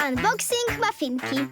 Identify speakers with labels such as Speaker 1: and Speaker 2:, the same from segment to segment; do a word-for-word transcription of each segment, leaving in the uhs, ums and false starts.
Speaker 1: Unboxing mafinki.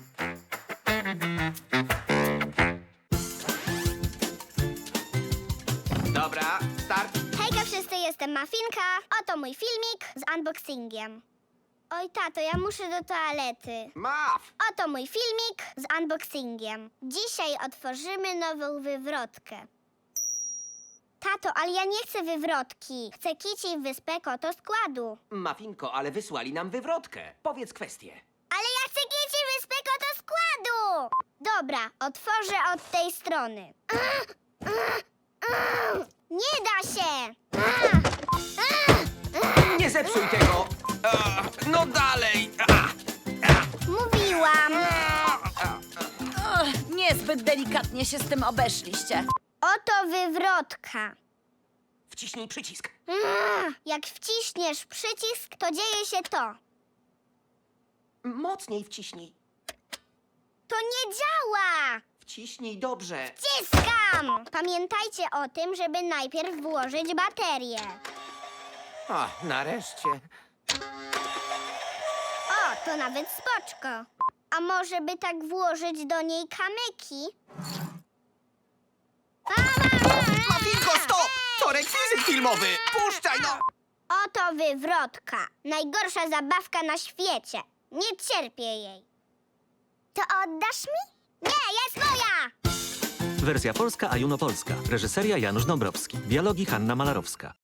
Speaker 2: Dobra, start.
Speaker 1: Hejka wszyscy, jestem Mafinka. Oto mój filmik z unboxingiem. Oj tato, ja muszę do toalety.
Speaker 2: Maf!
Speaker 1: Oto mój filmik z unboxingiem. Dzisiaj otworzymy nową wywrotkę. Tato, ale ja nie chcę wywrotki. Chcę kici wyspę koto składu.
Speaker 2: Mafinko, ale wysłali nam wywrotkę. Powiedz kwestię.
Speaker 1: Ale ja chcę kici wyspę koto składu! Dobra, otworzę od tej strony. Nie da się!
Speaker 2: Nie zepsuj tego! A, no dalej! A,
Speaker 1: Mówiłam!
Speaker 3: Och, niezbyt delikatnie się z tym obeszliście.
Speaker 1: Oto wywrotka.
Speaker 2: wciśnij przycisk.
Speaker 1: Mm, Jak wciśniesz przycisk, to dzieje się to.
Speaker 2: Mocniej wciśnij.
Speaker 1: To nie działa!
Speaker 2: Wciśnij dobrze.
Speaker 1: Wciskam! Pamiętajcie o tym, żeby najpierw włożyć baterię.
Speaker 2: A, nareszcie.
Speaker 1: O, to nawet spoczko. A może by tak włożyć do niej kamyki?
Speaker 2: Mafinko, stop! To rekwizyt filmowy! Puszczaj no!
Speaker 1: Oto wywrotka. Najgorsza zabawka na świecie. Nie cierpię jej. To oddasz mi? Nie, jest moja!
Speaker 4: Wersja polska, a Juno Polska. Reżyseria Janusz Dąbrowski. Dialogi Hanna Malarowska.